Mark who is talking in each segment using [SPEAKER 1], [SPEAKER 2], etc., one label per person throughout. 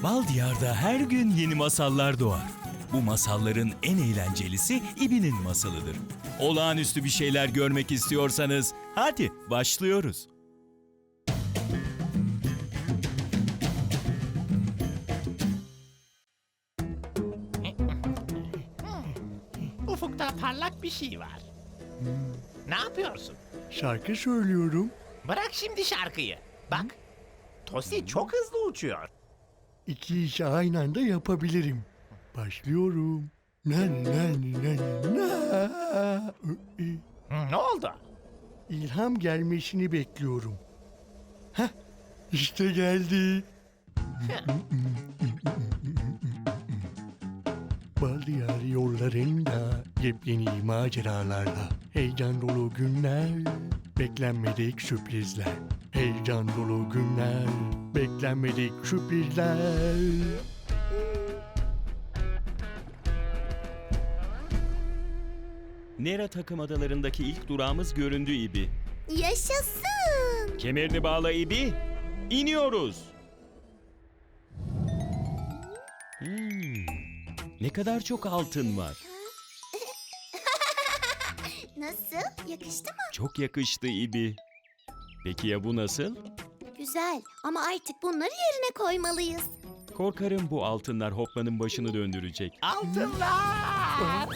[SPEAKER 1] Bal Diyar'da her gün yeni masallar doğar. Bu masalların en eğlencelisi İbi'nin masalıdır. Olağanüstü bir şeyler görmek istiyorsanız hadi başlıyoruz.
[SPEAKER 2] Ufukta parlak bir şey var. Ne yapıyorsun?
[SPEAKER 3] Şarkı söylüyorum.
[SPEAKER 2] Bırak şimdi şarkıyı. Bak, Tosi çok hızlı uçuyor.
[SPEAKER 3] İki işi aynı anda yapabilirim. Başlıyorum. Na na na na.
[SPEAKER 2] Ne oldu?
[SPEAKER 3] İlham gelmesini bekliyorum. Heh, işte geldi. Bal Diyar yollarında yepyeni maceralarla, heyecan dolu günler, beklenmedik sürprizler. Heyecan dolu günler, beklenmedik sürprizler.
[SPEAKER 1] Nera takım adalarındaki ilk durağımız göründü İbi.
[SPEAKER 4] Yaşasın.
[SPEAKER 1] Kemerini bağla İbi. İniyoruz. Ne kadar çok altın var.
[SPEAKER 4] Nasıl? Yakıştı mı?
[SPEAKER 1] Çok yakıştı İbi. Peki ya bu nasıl?
[SPEAKER 4] Güzel ama artık bunları yerine koymalıyız.
[SPEAKER 1] Korkarım bu altınlar Hoppa'nın başını döndürecek.
[SPEAKER 2] Altınlar!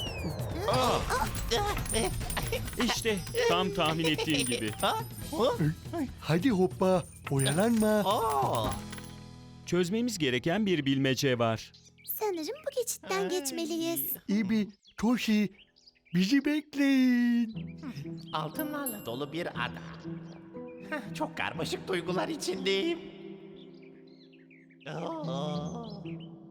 [SPEAKER 1] İşte tam tahmin ettiğim gibi.
[SPEAKER 2] Ha?
[SPEAKER 3] Hadi hoppa, oyalanma.
[SPEAKER 2] Oo!
[SPEAKER 1] Çözmemiz gereken bir bilmece var.
[SPEAKER 4] Sanırım bu geçitten geçmeliyiz.
[SPEAKER 3] İbi, Toshi, bizi bekleyin.
[SPEAKER 2] Altınlarla dolu bir ada. Çok karmaşık duygular içindeyim. Oo!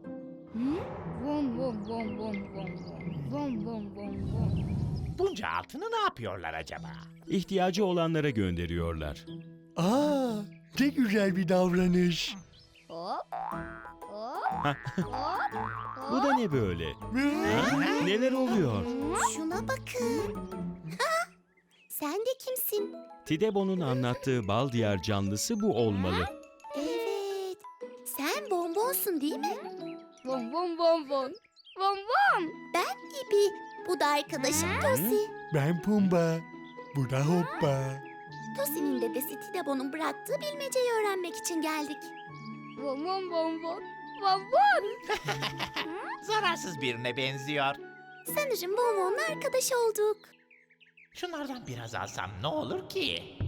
[SPEAKER 5] Vom vom vom vom vom vom vom vom vom vom.
[SPEAKER 2] Bunca altını ne yapıyorlar acaba?
[SPEAKER 1] İhtiyacı olanlara gönderiyorlar.
[SPEAKER 3] Aa, ne güzel bir davranış.
[SPEAKER 5] Hop hop
[SPEAKER 1] Bu da ne böyle? Ha? Neler oluyor?
[SPEAKER 4] Şuna bakın. Ha? Sen de kimsin?
[SPEAKER 1] Tidebo'nun anlattığı Bal Diyar canlısı bu olmalı.
[SPEAKER 4] Evet. Sen bonbonsun değil mi?
[SPEAKER 5] vom vom vom vom vom vom.
[SPEAKER 4] Ben İbi. Bu da arkadaşım Tosi.
[SPEAKER 3] Ben Pumba, bu da hoppa.
[SPEAKER 4] Tosi'nin dedesi Tidebo'nun bıraktığı bilmeceyi öğrenmek için geldik.
[SPEAKER 5] Vom vom vom vom vom vom.
[SPEAKER 2] Zararsız birine benziyor.
[SPEAKER 4] Sanırım bonbonla arkadaş olduk.
[SPEAKER 2] Şunlardan biraz alsam ne olur ki?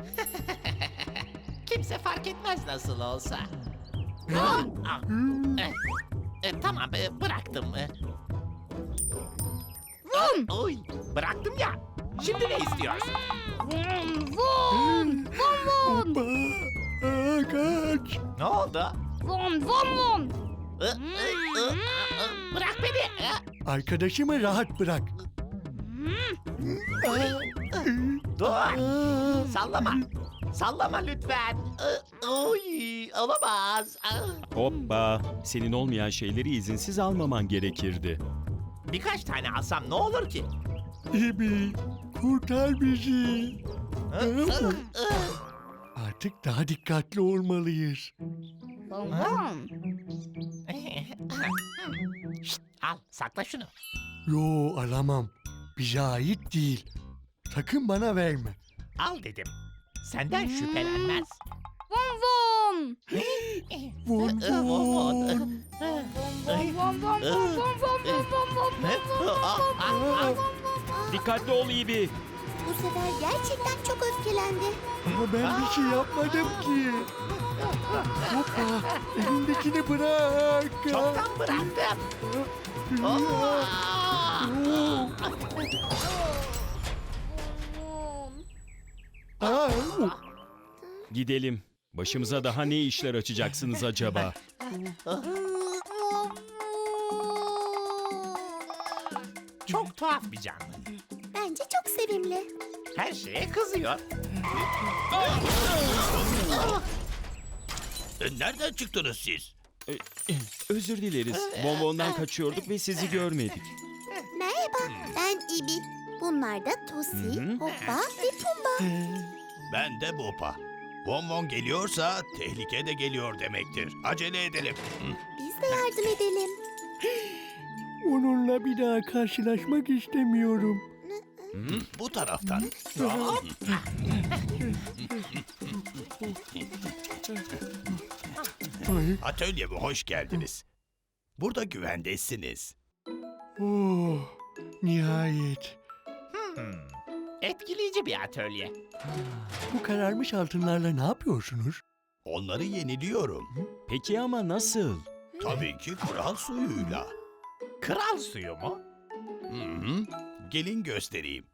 [SPEAKER 2] Kimse fark etmez nasıl olsa. Ah, tamam, bıraktım. Oy, bıraktım ya. Şimdi ne istiyorsun?
[SPEAKER 5] Vom vom vom vom
[SPEAKER 3] Hoppa, aa, kaç.
[SPEAKER 2] Ne oldu?
[SPEAKER 5] vom vom vom.
[SPEAKER 2] Bırak beni.
[SPEAKER 3] Arkadaşımı rahat bırak.
[SPEAKER 2] Dur.
[SPEAKER 3] Aa,
[SPEAKER 2] Sallama. Sallama lütfen. Oy, olamaz.
[SPEAKER 1] Hoppa! Senin olmayan şeyleri izinsiz almaman gerekirdi.
[SPEAKER 2] Birkaç tane alsam ne olur ki?
[SPEAKER 3] İbi, kurtar bizi. Artık daha dikkatli olmalıyız.
[SPEAKER 5] Vom vom.
[SPEAKER 2] Şşt, al, sakla şunu.
[SPEAKER 3] Yo, alamam. Bize ait değil. Sakın bana verme.
[SPEAKER 2] Al dedim. Senden şüphelenmez.
[SPEAKER 5] Vom vom.
[SPEAKER 3] Von von.
[SPEAKER 5] Vom vom vom vom vom vom vom vom vom.
[SPEAKER 1] Dikkatli ol İbi.
[SPEAKER 4] Bu sefer gerçekten çok öfkelendi.
[SPEAKER 3] Ama ben bir şey yapmadım ki. Hoppa, elindekini bırak.
[SPEAKER 2] Çoktan bıraktım.
[SPEAKER 3] Aa,
[SPEAKER 1] Gidelim. Başımıza daha ne işler açacaksınız acaba?
[SPEAKER 2] Çok tuhaf bir canlı.
[SPEAKER 4] Bence çok sevimli.
[SPEAKER 2] Her şeye kızıyor. Nereden çıktınız siz?
[SPEAKER 1] Özür dileriz. Bonbondan kaçıyorduk ve sizi görmedik.
[SPEAKER 4] Merhaba, ben İbi. Bunlar da Tosi, Hoppa ve Pumba.
[SPEAKER 6] Ben de Bopa. Von Von geliyorsa tehlike de geliyor demektir. Acele edelim.
[SPEAKER 4] Biz de yardım edelim.
[SPEAKER 3] Onunla bir daha karşılaşmak istemiyorum.
[SPEAKER 6] Bu taraftan.
[SPEAKER 3] Ay,
[SPEAKER 6] Atölyeme hoş geldiniz. Burada güvendesiniz.
[SPEAKER 3] oh, nihayet.
[SPEAKER 2] Etkileyici bir atölye.
[SPEAKER 3] Bu kararmış altınlarla ne yapıyorsunuz?
[SPEAKER 6] Onları yeniliyorum.
[SPEAKER 1] Peki ama nasıl?
[SPEAKER 6] Tabii ki kral suyuyla.
[SPEAKER 2] Kral suyu mu?
[SPEAKER 6] Hı hı. Gelin göstereyim.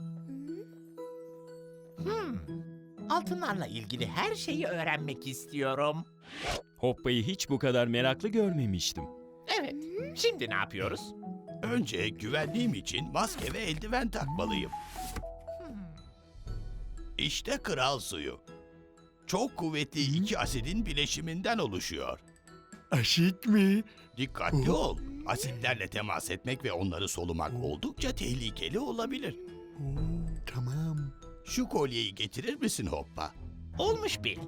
[SPEAKER 2] Altınlarla ilgili her şeyi öğrenmek istiyorum.
[SPEAKER 1] Hoppa'yı hiç bu kadar meraklı görmemiştim.
[SPEAKER 2] Evet, şimdi ne yapıyoruz?
[SPEAKER 6] Önce güvenliğim için maske ve eldiven takmalıyım. İşte kral suyu. Çok kuvvetli iki asidin bileşiminden oluşuyor.
[SPEAKER 3] Asit mi?
[SPEAKER 6] Dikkatli ol. Asitlerle temas etmek ve onları solumak oldukça tehlikeli olabilir.
[SPEAKER 3] Oo, tamam.
[SPEAKER 6] Şu kolyeyi getirir misin Hoppa?
[SPEAKER 2] Olmuş bil.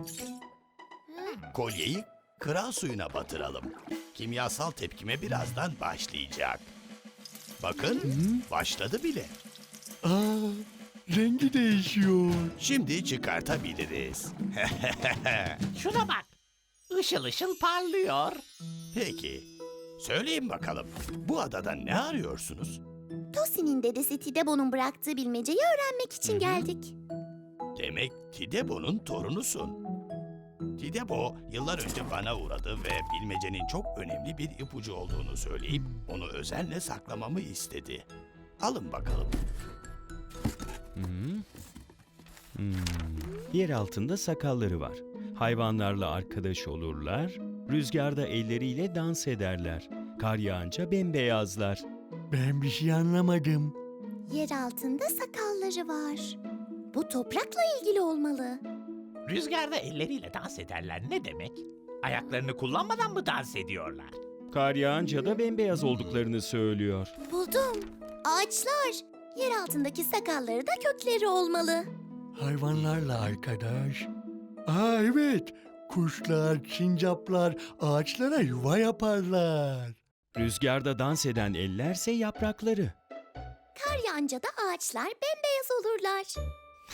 [SPEAKER 6] Kolyeyi kral suyuna batıralım. Kimyasal tepkime birazdan başlayacak. Bakın, başladı bile.
[SPEAKER 3] Aa, rengi değişiyor.
[SPEAKER 6] Şimdi çıkartabiliriz.
[SPEAKER 2] Şuna bak. Işıl ışıl parlıyor.
[SPEAKER 6] Peki, söyleyin bakalım. Bu adada ne arıyorsunuz?
[SPEAKER 4] Tosi'nin dedesi Tidebo'nun bıraktığı bilmeceyi öğrenmek için geldik.
[SPEAKER 6] Demek Tidebo'nun torunusun. Tidebo yıllar önce bana uğradı ve bilmecenin çok önemli bir ipucu olduğunu söyleyip onu özenle saklamamı istedi. Alın bakalım.
[SPEAKER 1] Yer altında sakalları var. Hayvanlarla arkadaş olurlar. Rüzgarda elleriyle dans ederler. Kar yağınca bembeyazlar.
[SPEAKER 3] Ben bir şey anlamadım.
[SPEAKER 4] Yer altında sakalları var. Bu toprakla ilgili olmalı.
[SPEAKER 2] Rüzgarda elleriyle dans ederler ne demek? Ayaklarını kullanmadan mı dans ediyorlar?
[SPEAKER 1] Kar yağınca da bembeyaz olduklarını söylüyor.
[SPEAKER 4] Buldum. Ağaçlar. Yer altındaki sakalları da kökleri olmalı.
[SPEAKER 3] Hayvanlarla arkadaş. Aa evet. Kuşlar, sincaplar ağaçlara yuva yaparlar.
[SPEAKER 1] Rüzgarda dans eden ellerse yaprakları.
[SPEAKER 4] Kar yağınca da ağaçlar bembeyaz olurlar.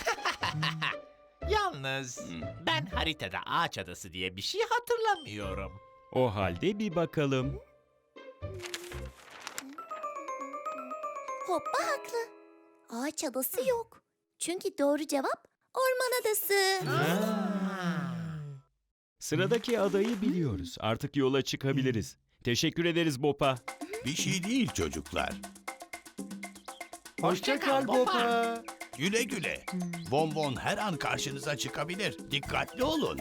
[SPEAKER 2] Yalnız ben haritada ağaç adası diye bir şey hatırlamıyorum.
[SPEAKER 1] O halde bir bakalım.
[SPEAKER 4] Hoppa haklı. Ağaç adası yok. Çünkü doğru cevap orman adası.
[SPEAKER 1] Sıradaki adayı biliyoruz. Artık yola çıkabiliriz. Teşekkür ederiz Bopa.
[SPEAKER 6] Bir şey değil çocuklar.
[SPEAKER 3] Hoşça kal Bopa.
[SPEAKER 6] Güle güle. Von Von her an karşınıza çıkabilir. Dikkatli olun.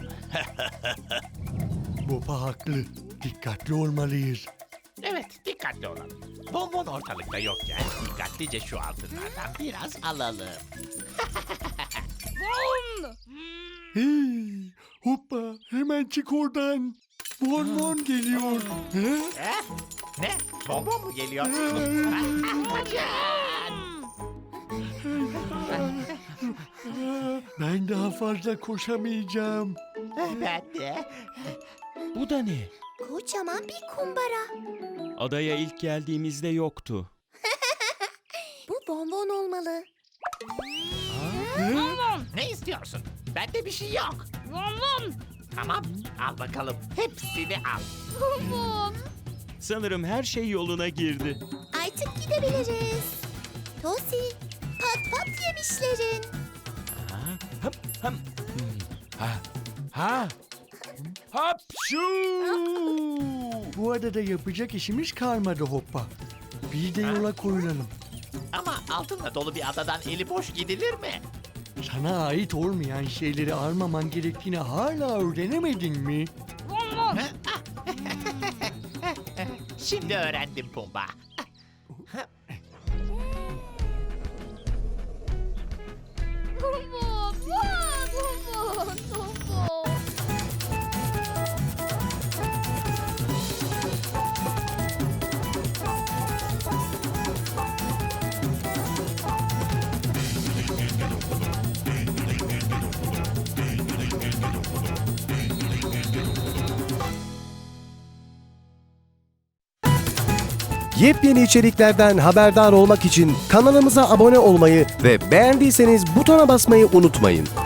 [SPEAKER 3] Bopa haklı. Dikkatli olmalıyız.
[SPEAKER 2] Evet, dikkatli olalım. Bonbon ortalıkta yokken dikkatlice şu altınlardan biraz alalım.
[SPEAKER 3] Hey, hoppa hemen çık oradan. Von Von geliyor. He?
[SPEAKER 2] Ne? Bonbon mu geliyor?
[SPEAKER 3] Ben daha fazla koşamayacağım.
[SPEAKER 2] Ben de.
[SPEAKER 1] Bu da ne?
[SPEAKER 4] Kocaman bir kumbara.
[SPEAKER 1] Adaya ilk geldiğimizde yoktu.
[SPEAKER 4] Bu bonbon olmalı.
[SPEAKER 2] Ne istiyorsun? Bende bir şey yok. Tamam, al bakalım. Hepsini al.
[SPEAKER 1] Sanırım her şey yoluna girdi.
[SPEAKER 4] Artık gidebiliriz. Tosi, pat pat yemişlerin.
[SPEAKER 1] Hapşu!
[SPEAKER 3] Bu adada yapacak işimiz kalmadı hoppa. Biz de yola koyulalım.
[SPEAKER 2] Ama altınla dolu bir adadan eli boş gidilir mi?
[SPEAKER 3] Sana ait olmayan şeyleri almaman gerektiğini hala öğrenemedin mi?
[SPEAKER 2] Şimdi öğrendim Pumba.
[SPEAKER 7] Yepyeni içeriklerden haberdar olmak için kanalımıza abone olmayı ve beğendiyseniz butona basmayı unutmayın.